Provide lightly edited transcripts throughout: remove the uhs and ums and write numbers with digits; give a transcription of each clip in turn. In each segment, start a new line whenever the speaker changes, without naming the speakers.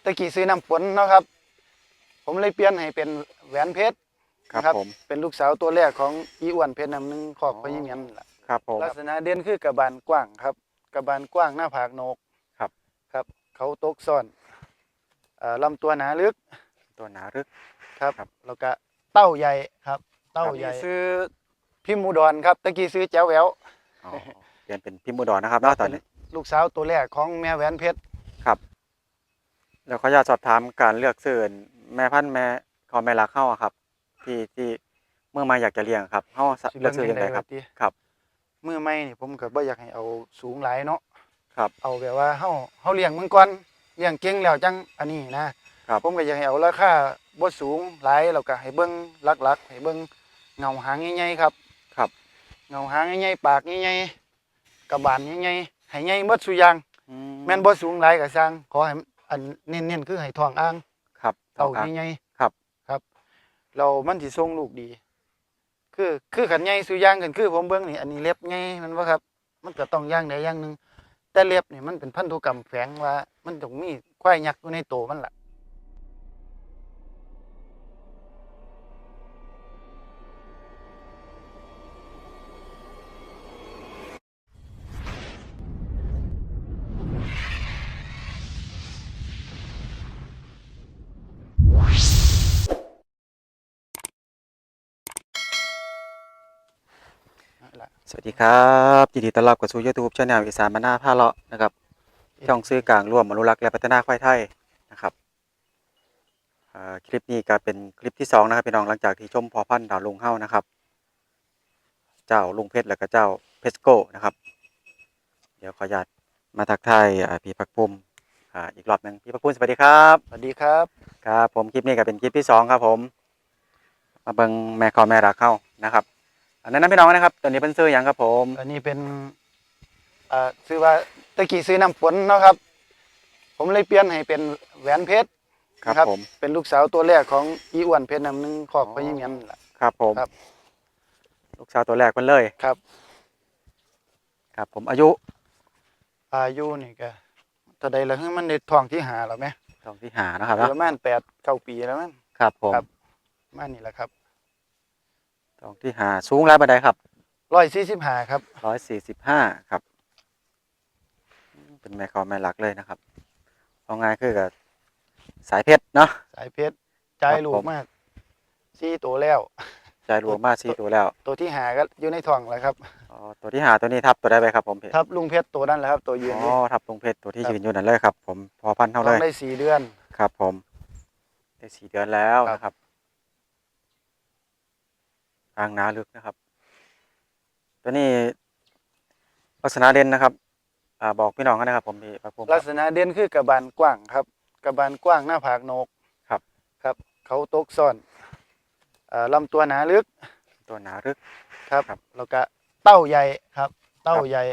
ตะกี้ซื้อน้ำฝนเนาะครับผมเลยเปลี่ยนให้เป็นแหวนเพชร
ครับผม
เป็นลูกสาวตัวแรกของอีอ้วนเพชรน้ำหนึ่งครอบพญเมียนล่ะ
ครับผม
ลักษณะเด่นคือกระบาลกว้างครับกระบาลกว้างหน้าผากโหนก
ครับ
ครับเขาตกซ่อนลำตัวหนาลึก
ตัวหนารึก
ครับแล้วก็เต้าใหญ่ครับเต้าใหญ่ซื้อพิมพ์อุดรครับตะกี้ซื้อแจ๋วแหวว
อ๋อเปลี่ยนเป็นพิมพ์อุดรนะครับเนาะตอนนี้
ลูกสาวตัวแรกของแม่แหวนเพชร
ครับแล้วขออยากสอบถามการเลือกซื้อแม่พันธุ์แม่ของแม่รักเข้าอะครับที่เมื่อมาอยากจะเลี้ยงครับเข้าเลือกซื้อยังไงครับครับ
เมื่อไม่นี่ผมก็บ่อยากให้เอาสูงหลายเนาะ
ครับ
เอาแบบว่าเฮาเลี้ยงมันก่อนเลี้ยงเก่งแล้วจังอันนี้นะครับผมก็อยากให้เอาราคาบ่สูงหลายแล้วก็ให้เบิ่งหลักๆให้เบิ่งเงาหางใหญ่ๆครับ
ครับ
เงาหางใหญ่ๆปากใหญ่ๆกระบาลใหญ่ๆให้ใหญ่หมดซุอย่างแม่นบ่สูงหลายก็สร้างขอให้อันเน้นๆคือให้ท้องอ่าง
ครับ
เต้าใหญ่
ๆครับ
ครับเรามันสิส่งลูกดีคือขันใหญ่ซุอย่างกันคือผมเบิ่งนี่อันนี้เล็บใหญ่มันบ่ครับมันก็ต้องอย่างใดอย่างหนึ่งแต่เล็บนี่มันเป็นพันธุกรรมแฝงว่ามันต้องมีควายยักษ์อยู่ในโตมันล่ะ
สวัสดีครับยินดีต้อนรับเข้าสู่ YouTube Channel อีสานบ้านนาพาเลาะนะครับช่องสื่อกลางร่วมอนุรักษ์และพัฒนาควายไทยนะครับคลิปนี้ก็เป็นคลิปที่2นะครับพี่น้องหลังจากที่ชมพอพันธุ์ดาวลุงเฮานะครับเจ้าลุงเพชรและก็เจ้าเพชรโก้นะครับเดี๋ยวขออนุญาตมาทักทายพี่พักภูมิอีกรอบหนึ่งพี่พักภูมิสวัสดีครับ
สวัสดีครับ
ครับผมคลิปนี้ก็เป็นคลิปที่2ครับผมมาเบิ่งแม่คอแม่รักเฮานะครับอันนั้นพี่น้องนะครับตัวนี้เป็นซื้ออย่างครับผม
อันนี้เป็นซื้อว่าตะกี้ซื้อน้ำฝนเนาะครับผมเลยเปลี่ยนให้เป็นแหวนเพชร
ครับผม
เป็นลูกสาวตัวแรกของอีอ้วนเพชรน้ำหนึ่งครอบพญเมียนล่ะ
ครับผม
ครับ
ลูกสาวตัวแรกมันเลย
ครับ
ครับผมอายุ
นี่ก็ตอนใดแล้วมันในท้องที่หาแล้วไหม
ท้องที่หานะครับ
ประมาณ8-9 ปีแล้วมั้ง
ครับผม
มานี่แหละครับ
ท้องที่หาสูงแล้วบันไดครับ
145ครับ
145ครับเป็นแม่คอแม่หลักเลยนะครับเอาง่ายคือกับสายเพชรเนาะ
สายเพชรใจลูกมาก4 ตัวแล้ว
ใจรวมมา4ตัวแล้ว
ตัวที่หาก็อยู่ในท้องแล้วครับ
อ๋อตัวที่หาตัวนี้ทับตัวได้ไหมครับผมเพชร
ทับลุงเพชรตัวนั้นแหละครับตัวยืน
อ๋อทับลุงเพชรตัวที่ยืนอยู่นั่นเลยครับผมพอพันเท่าเลย
ได้4 เดือน
ครับผมได้4 เดือนแล้วนะครับอ่างนาลึกนะครับตัวนี้ลักษณะเด่นนะครับบอกพี่น้องกันนะครับผมพี่พักภูมิ
ลักษณะเด่นคือกระบาลกว้างครับกระบาลกว้างหน้าผากโหนกครับเขาตกซ่อนลำตัวหนาลึก
ตัวหนาลึก
ครับแล้วก็เต้าใหญ่ครับเต้าใหญ่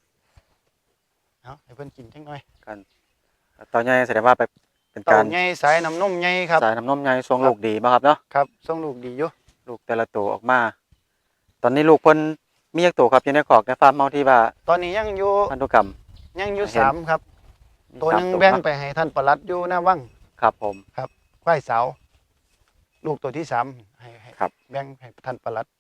ให้เพิ่นกินจังหน่อย
กันตอนใหญ่แสดงว่าไปเป็นการ
เต้าใหญ่สายน้ำนมใหญ่ครับ
สายน้ำนมใหญ่ทรงลูกดีมากครับเนาะ
ครับทรงลูกดีอยู่
ลูกแต่ละตัวออกมาตอนนี้ลูกเพิ่นมีจักตัวครับอยู่ในคอกในฟาร์มเฮาที่ว่า
ตอนนี้ยังอยู่
พันธุกรรม
ยังอยู่3ครับตัวนึงแบ่งไปให้ท่านปลัดอยู่หน้าวัง
ครับผม
ครับควายสาวลูกตัวที่3ให้แบ่งให้ท่านปลัด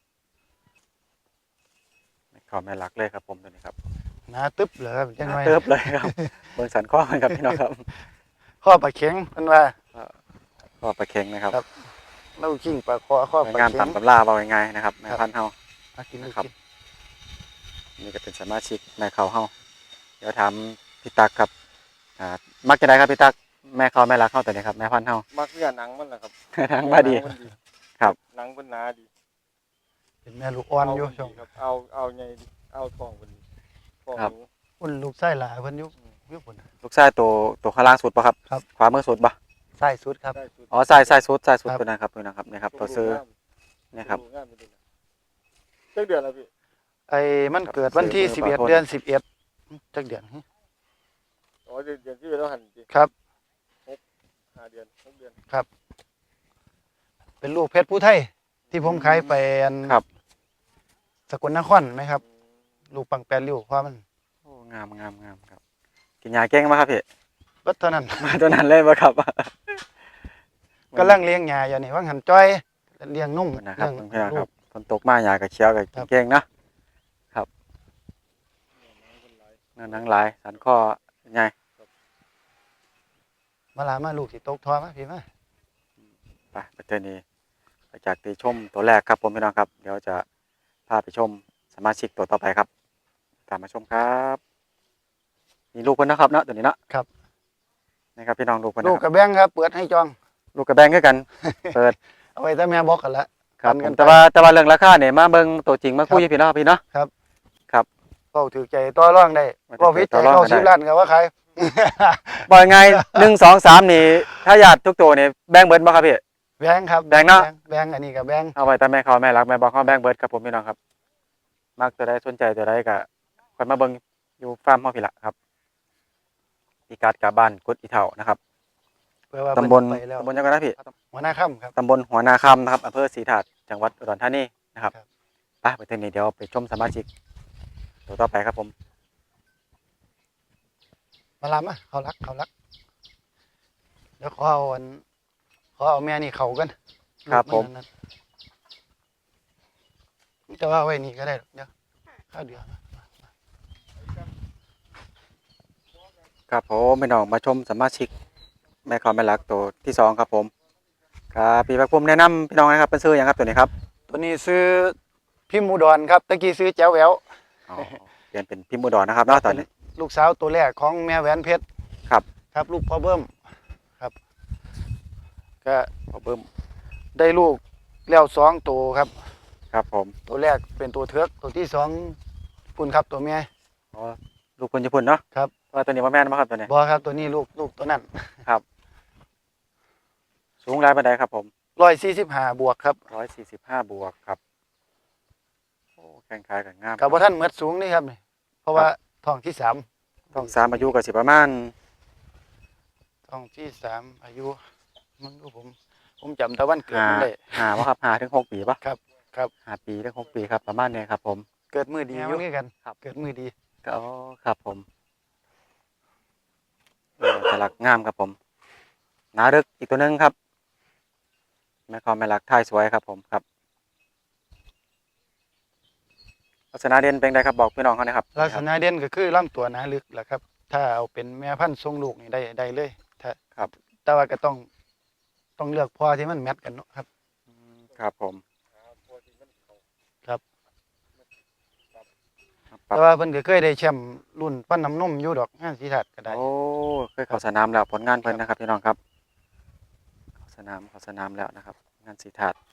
ขอแม่รักเลยครับผมตัวนี้ครับ
หนาตึ๊บเลยครับจังหน่อย
ตึ๊บเลยครับเบิ่งสันข้อมันครับพี่น้องครับ
ข้อปลาเข็งเพิ่นว่า
ข้อปลาเค็งนะครับ
เราขิงปลาคอข้อปลาเข็ง
งานตำตำราเว้าง่ายๆนะครับแม่พันธุ์เฮา
กิน
นะครับนี่ก็เป็นสมาชิกแม่เขาเฮาเดี๋ยวถามพี่ตักครับมักจะได้ครับพี่ตักแม่เขาแม่รักเฮาตัวนี้ครับแม่พันธุ์เฮา
มักเนื้อหนังมันแหละครับ
หนังบ่ดีครับ
หนังมันหนาดี
เป็นแม่ลูกอ่อนอยู่ช่วง
ครับเอาไงดีเอาทองเพิ่นทองหนู
อุ่นลูกไส้หลายเพิ่นอยู่พุ่น
ลูกชายตัวข้างล่างสุดป่ะครับขวามือสุดป่ะ
ไส้สุดครับ
อ๋อไส้สุดตัวนั้นครับตัวนั้นครับนี่ครับตัวซื้อนี่ครับ
จักเดือนแล้วพี่
มันเกิดวันที่11 เดือน 11จักเดือน
อ๋อเดือนที่แล้วหั่น
ครับ
5 เดือน6 เดือน
ครับเป็นลูกเพชรผู้ไทยที่ผมขายไป
ครับ
สกลนครไหมครับลูกปังแปรริ้วเพราะมัน
โอ้งามครับกินยาเก่งมั้ยครับพี่
เบิดเท่านั้น
มาตัวนั้นเลยบ่ครับ
กำลังเลี้ยงหญ้าอยู่นี่ว่าหันจ้อยเลี้ยงนุ่ม
นะครับ
เลี้ยง
เพื่อนๆค
ลู
รับ
ก
ฝนตกมาหญ้าก็เขียวก็
ครับ
เก่งๆนะครับเนื้อหนังหลายสันคอใหญ่
มาลามาลูกสิตกทอมาพี่มา
ไปประเทศนี้ไปจากตีชมตัวแรกครับผมพี่น้องครับ เดี๋ยวจะพาไปชมสมาชิกตัวต่อไปครับ ตามมาชมครับมีลูกคนนะครับเนาะตัวนี้เนาะ
ครับ
นี่ครับพี่น้องลูกคน
ลู
นะ
ก
ค
กั
รั
บบ แบงค์ครับเปิดให้จอง
ลูกกระแบงคือกัน เปิด
เอาไว้แต่แม่บอกกันละ
ครับ
ปัน
ผ
กั
ม
นไป
แต่ว่าเรื่องราคาเนี่ยมาเบิ่งตัวจริงมาคุยกับพี่น้องครับพี่เนาะ
เป้าถือใจต่อร่องได้
ว่า
ก็วิจัย
ต่อรอง
เข้า
กันได้
สิบล้านก็ว่าขาย
บอกยังไง1 2 3นี่ถ้าญาติทุกตัวนี่แบ่งเบิดบ่ครับพี่
แบงค์ครับ
แบงค์เนาะ
แบงค์อันนี้กับแบงค์
เอาไว้แต่แม่เขาแม่รักแม่บอกเขาแบ่งเบิดครับผมพี่น้องครับมักตัวใดสนใจตัวใดก็ค่อยมาเบิ่งอยู่ฟาร์มเฮาพี่ละครับพิกัดกับบ้านกุดอีเฒ่านะครับ
เพื่อว่า
ตำบล
เพิ่นไปแล้ว
ตำบลยังไงนะพี่
หัวหน้าค่ำครับ
ตำบลหัวนาคำนะครับอำเภอศรีถาดจังหวัดอุดรธานีนะครับ
ครับ
ไปเทางนี้เดี๋ยวไปชมสมาชิกตัวต่อไปครับผม
มาลามาเขารักเดี๋ยวขอเอาแม่นี่เขากัน
ครับผม
ลูกนนั่นแต่ว่าเอาไว้นี่ก็ได้หรอกเดี๋ยวข้าวเดียว
ครับผมพี่น้องมาชมสมาชิกแม่ขอแม่รักตัวที่2ครับผมครับพี่พักภูมิแนะนำพี่น้องนะครับเป็นซื้ออย่างครับตัวนี้ครับ
ตัวนี้ซื้อพิมพ์อุดรครับตะกี้ซื้อแจ๋วแหวว
อ๋อเปลี่ยนเป็นพิมพ์อุดรนะครับเนาะตอนนี้
ลูกสาวตัวแรกของแม่แหวนเพชร
ครับ
ครับลูกพ่อเบิ้มครับก็
ขอเบิ่ม
ได้ลูกแล้ว2ตัวครับ
ครับผม
ตัวแรกเป็นตัวเทือกตัวที่2ปุ่นครับตัวเมีย
อ๋อลูกคุณญี่ปุ่นเนาะ
ครับ
ว่าตัวนี้ว่าแม่นบ่ครับตัวนี้
บอครับตัวนี้ลูกตัวนั้น
สูงหลายปานใดครับผม
145บวกครับ
145บวกครับโอ้แข้งขากันงาม
กับว่าท่านเหมือดสูงนี่ครับนี่เพราะว่าท้องที่3
ต้อง3อายุก็สิประมาณ
ท้องที่3อายุมึงดูผมจำตะวันเกิดมันได้
5บ่ครับ5ถึง6ปีป่ะ
ครับครับ
5ปีถึง6ปีครับประมาณนี้ครับผม
เกิดมือดีอยู่นี่กัน
ครับ
เกิดมือดี
ก็อ๋อครับผมตลักงามครับผมหนาดึกอีกตัวหนึงครับแม่คอมแม่ลักท่ายสวยครับผมครับลักษณะเด่นเป็นไงครับบอกพี่น้องเขาหนะครับ
ลักษณะเด่นก็คือลำตัวหนาลึกแหละครับ ถ้าเอาเป็นแม่พันธุ์ทรงลูกนี่ได้เลยถ้า
ครับ
แต่ว่าก็ต้องเลือกพ่อที่มันแมทกันเนาะครับ
ครับผม
ครับ
ครับ
แต่ว่าเพิ่นก็เคยได้แชมป์รุ่นปั้นน้ำนมอยู่ดอกงานศรีทัดก็ได้
โอ้เคยเข้าสนามแล้วผลงานเพิ่นนะครับพี่น้องครับเข้าสนามแล้วนะครับ งานสีถาด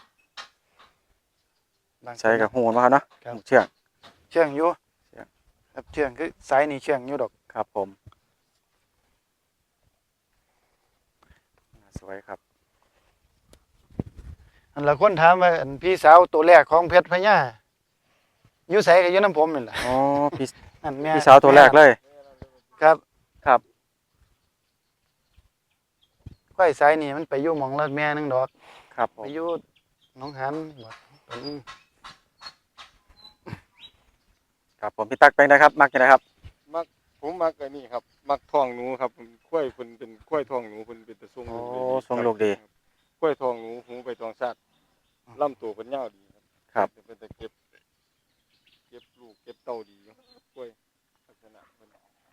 บางคน
ใช้กับหูนมาครับเนาะ
ครับ
หูเชือก
เชื่องอยู่
เชื่อง
ครับเชื่องคือสายนี่เชื่องอยู่ดอก
ครับผมสวยครับ
อันละคนถามว่าอันพี่สาวตัวแรกของเพชรพญาอยู่ไสก็อยู่น้ำผมนี่แหละ
อ๋อพี่
อันแม่
พี่สาวตัวแรกเลย
ครับ
ครับ
ควายสายนี่มันไปอยู่หม่องละแม่หนึงดอก
ครับผ
ไป
ม
อยู่หนองหันบ่ตัวนึง
ครับผมพี่ตักเป็นไงครับมักยังไงครับ
ผมมักไอ้นี่ครับ มักท้องหนูครับกล้วยเพิ่นเป็นกล้วยท้องหนูเพิ่นเป็นตะซุง
โอ้
ลูกได้
ทรงลูกดี
กล้วยท้องหนูหูไปทองชาติลำตัวเพิ่นยาวดีครับ
ครับ
เป็นตะเก็บลูกเก็บเต้าดีอยู่กล้วยลักษณะเพิ่น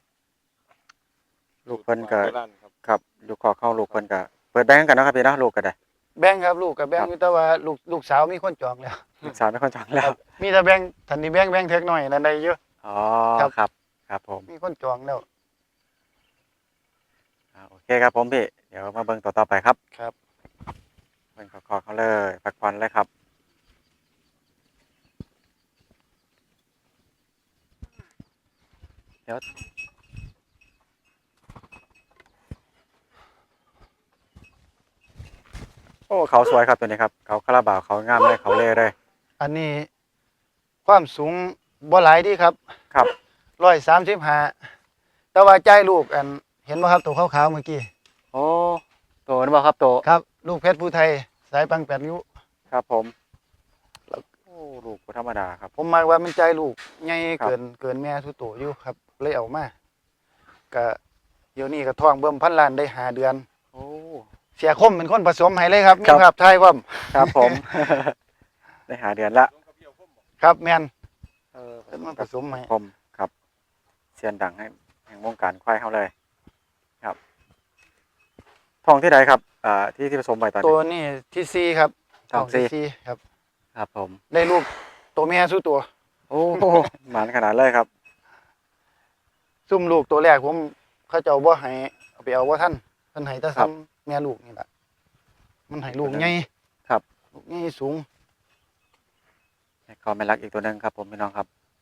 ลูกเพิ่นก็
โบราณครับ
ครับลูกขอเข้าลูกเพิ่นก็เปิดแบงก์กันเนาะครับพี่เนาะลูกก็ได้
แบ่งครับลูกกับแบ่ง
ครับ
อยู่แต่ว่าลูกสาวมีคนจองแล้ว
ลูกสาวไม่ค่อยจังแล้ว
มีแต่แบ่งทันนี้แบ่งเท็กหน่อยนั่นได้เยอะ
อ๋อ
ครับ
ครับครับผม
มีคนจองแล้ว
โอเคครับผมพี่เดี๋ยวมาเบิ่งต่อไปครับ
ครับ
เบิ่งขอเขาเลยพักผ่อนเลยครับเดี๋ยวโอ้เขาสวยครับตัวนี้ครับเขาคาราบาวเขางามเลยเขาเล่เลย
อันนี้ความสูงบ่หลายดีครับ
ครับ
135แต่ว่าใจายลูกอันเห็นบ่ครับตัวขาวๆเมื่อกี้
โอ้โตนะบ่ครับโต
ครับ ลูกเพชรผู้ไทยสายปัง8ริ้ว
ครับผมโอ้ลูกบ่ธรรมดาครับ
ผมมักว่ามันใจายลูกใหญ่
ครับ
เกินแม่ทุกตัวอยู่ครับเลยเอามาก็เดี๋ยวนี้ก็ท้องเบิ่มพันล้านได้5 เดือน
โอ้
เสียคมเป็นคนผสมให้เลยครับมี
ครับ
ภาพถ่ายพร้อม
ครับผม ได้หาเดือนละ
ครับแม่น
เออ
เป็นมันผสมให้
ผมครับเซียนดังให้แห่งวงการควายเฮาเลยครับทองที่ใดครับที่ผสมไว้ตอน
ตั
นี้
วนี้ที่สี่ครับ
ทองสี่
ที่สี่ครับ
ครับผม
ได้ลูกตัวแม่สู้ตัว
โอ้หมานขนาดเลยครับ
ซุ่มลูกตัวแรกผมเขาเจ้าบ่ให้เอาไปเอาบ่ทันเพิ่นให้แต่
ครั
ซ้ำ
บ
แม่ลูกนี่ล่ะมันให้ลูกใหญ่
ครับ
ลูกใหญ่สูง
ก็ไม่รักอีกตัวหนึงครับผมพี่น้องครับ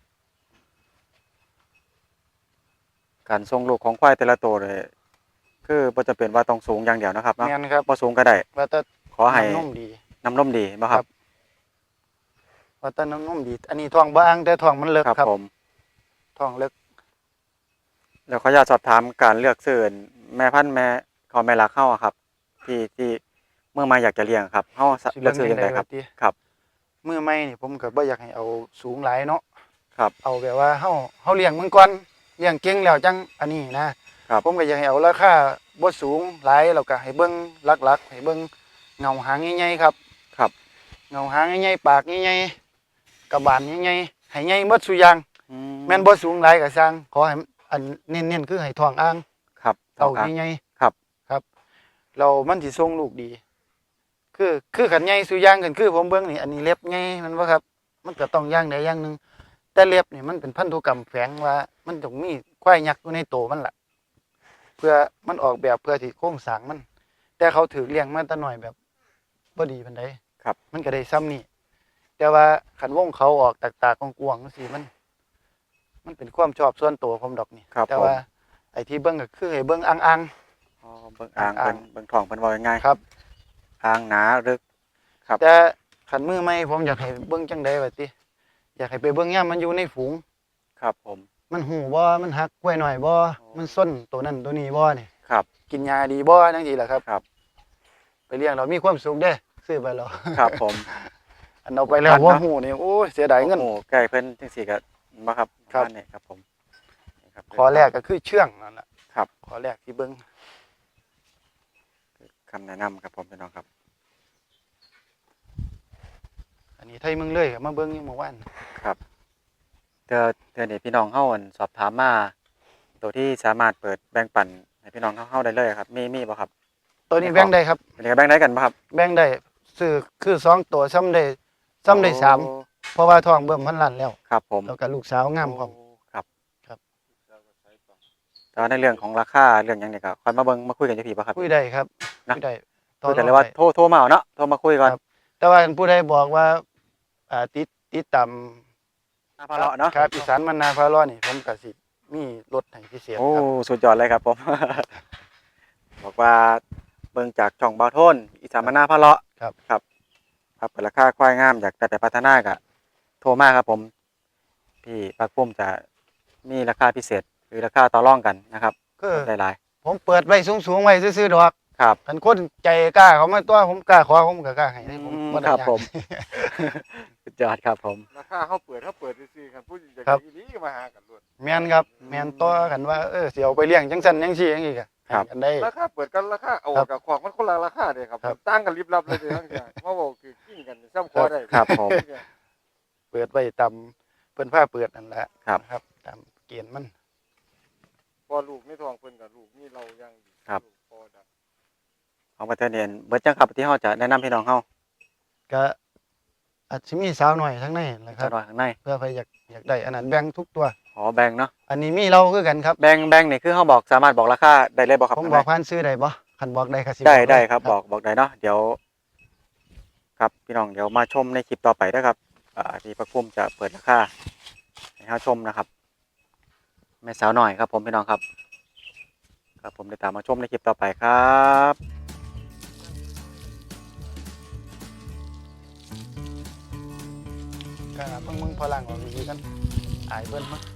การทรงลูกของควายแต่ละตัวเลยคือบ่จะเป็นว่าต้องสูงอย่างเดียวนะครับเนาะ
แม่นครับ
บ่สูงก็ได้
ว่าแต่
ขอให้
น้ำนมดี
น้ำนมดีบ่ครับ
ว่าแต่น้ำนมดี อันนี้ท้องบ่อ่างแต่ท้องมันเลิก
ครับ
ครับ
ผม
ท้องเลิก
แล้วขออนุญาตสอบถามการเลือกซื้อแม่พันธุ์แม่ของแม่รักเฮาอะครับ ที่เมื่อมาอยากจะเลี้ยงครับเฮาเลือกซื้อยังไงครับ
ติ
ครับ
มื้อใหม่นี่ผมก็บ่อยากให้เอาสูงหลายเนาะ
ครับ
เอาแบบว่าเฮาเลี้ยงมันก่อนเลี้ยงเก่งแล้วจังอันนี้นะครับ ผมก็อยากให้เอาราคาบ่สูงหลายแล้วก็ให้เบิ่งหลักๆให้เบิ่งเงาหางใหญ่ๆครับ
ครับ
เงาหางใหญ่ๆปากใหญ่ๆกระบาลใหญ่ๆให้ใหญ่หมดซุอย่าง แม่นบ่สูงหลายก็สร้างขอให้อันเน้นๆคือให้ท้องอ่าง
ครับ
เต่า
อ่ะ
ใหญ่
ครับ
ๆครับเรามันสิส่งลูกดี คือขันใหญ่ซุอย่างกันคือผมเบิ่งนี่อันนี้เล็บใหญ่มันบ่ครับ มันก็ต้องอย่างใดอย่างหนึงแต่เล็บนี่มันเป็นพันธุกรรมแฝงว่ามันต้องมีควายยักษ์อยู่ในโตมันล่ะ เพื่อมันออกแบบเพื่อที่โครงสร้างมัน แต่เขาถือเลี้ยงมาแต่น้อยแบบบ่ดีปานใด
ครับ
มันก็ได้ซ้ำนี่แต่ว่าขันวงเขาออกตากๆกวางๆจังซี่มันเป็นความชอบส่วนตัวผมดอกนี่
ครับ
แต่
ผม
ว่าไอ้ที่เบิ่งก็คือให้เบิ่งอ่าง
อ๋อเบิ่งอ่างเพิ่นเบิ่งท้องเพิ่นว่าง่าย
ๆครับ
ๆอ่างหนาลึก ครับ
แต่ขันมือใหม่ผมอยากให้เบิ่งจังได๋ว่าติอยากให้ไปเบิ่งยามมันอยู่ในฝูง
ครับผม
มันหูบ่มันหักกล้วยหน่อยบ่มันส้นตัวนั้นตัวนี้บ่นี่
ครับ
กินยาดีบ่จังซี่ล่ะครับ
ครับ
ไปเลี้ยงเรามีความสุขเด้ซื้อไปแล้ว
ครับผม
อันเอาไปแล้ว
ครับ
บ่ฮู้นี่โอ้ยเสียดายเงิน
โอ้ใกล้เพิ่นจังซี่ก็บ่ครับ
ครับ
บ้านนี่ครับผมนี่ครับ
ขอแรกก็คือเชื่องนั่นล่ะ
ครับ
ขอแรกที่เบิ่ง
คำแนะนำครับผมพี่น้องครับ
อันนี้ไทยเมืองเลยก็มาเบิ่งอยู่เมื่อวาน
ครับเทื่อนี้พี่น้องเฮาอั่นสอบถามมาตัวที่สามารถเปิดแบ่งปันให้พี่น้องเฮาได้เลยครับมีบ่ครับ
ตัวนี้แบ่งได้ครับ
อันนี้ก็แบ่งได้กันบ่ครับ
แบ่งได้ซื้อคือ2ตัวซ้ำได้สาม
โอ้
เพราะว่าท้องเบิ่มพันล้านแล้ว
ครับผม
แล้วก็ลูกสาวงามพร้อม
ครับ
ครับ
แต่ว่าในเรื่องของราคาเรื่องหยังนี่ก็ค่อยมาเบิ่งมาคุยกันอยู่พี่บ่ครับ
คุยได้ครับ
นะ
คุยได้
คุยกันเลยว่าโทรมาเอาเนาะโทรมาคุยก่อน
ครับ แต่ว่าผู้ใดบอกว่าติดตาม
พาเลาะเนาะ
ครับอีสานมันนาพาเลาะนี่ผมก็สิมีรถให้พิเศษ
โอ้
ครับ
สุดยอดเลยครับผม บอกว่าเบิ่งจากช่องบ่าวโทนอีสานมนาพาเลาะ
ครับ
ครับครับเปิดราคาควายงามอยากแต่พัฒนาก็โทรมาครับผม พี่ปักปุ้มจะมีราคาพิเศษ หรือราคาต่อรองกันนะครับ
คือ
หลาย
ผมเปิดไว้สูงๆไว้ซื่อๆดอก
ๆครับ
คันคนใจกล้าเขามาตัวผมกล้าขอผมก็กล้าให้ได้ผมบ่ได้
ครับ
ยาก
ผม สุดยอดครับผม
ราคาเขาเปิดซื่อๆกันผู้อยาก
ครับ
อีหลีก็มาหากันล้วน
แม่นครับแม่นต่อกันว่าสิเอาไปเลี้ยงจังซั่นจังซี่จังซี่ก็ให้กันได้
ราคาเปิดกันราคาเอา
ครับ
กับของมันคนละราคาเด้ครับ
ครับ
ต่างกันลิบลับเลยเด้ทั้งอย่างมาบอกคือกิ้งกันซ้ำคอได้
ครับผม
เปิดไว้ตามเพิ่นพาเปิดนั่นแหละ
ครับ
นะครับตามเกณฑ์มัน
พอลูกไม่ทองเพิ่นกับลูกนี่เรายังดี
ครับ
ลูกพอได้
ของประเทศเนียนเบิดจังครับที่เฮาจะแนะนำพี่น้องเฮา
ก็อาจสิมีสาวหน่อยทั้งในแหละค
จะ
รับ
น้อยข้างใน
เพื่อใครอยากได้อันนั้นแบ่งทุกตัว
ขอแบ่งเนาะ
อันนี้มีเราคือกันครับ
แบ่งนี่คือเฮาบอกสามารถบอกราคาได้เลยบ่ครับ
ผม
ข้าง
บ
ใน
อกผ่านซื้อได้บ่คันบอกได้ก็สิ
ได้
อกเลย
ได้ครับบอกได้เนาะเดี๋ยวครับพี่น้องเดี๋ยวมาชมในคลิปต่อไปนะครับที่พระคุ้มจะเปิดราคาให้เฮาชมนะครับแม่สาวหน่อยครับผมพี่น้องครับครับผมได้ตามมาชมในคลิปต่อไปครับ
ก็เพิ่งมึงพอลังออกดีๆกันอายเบิ่นมั้ง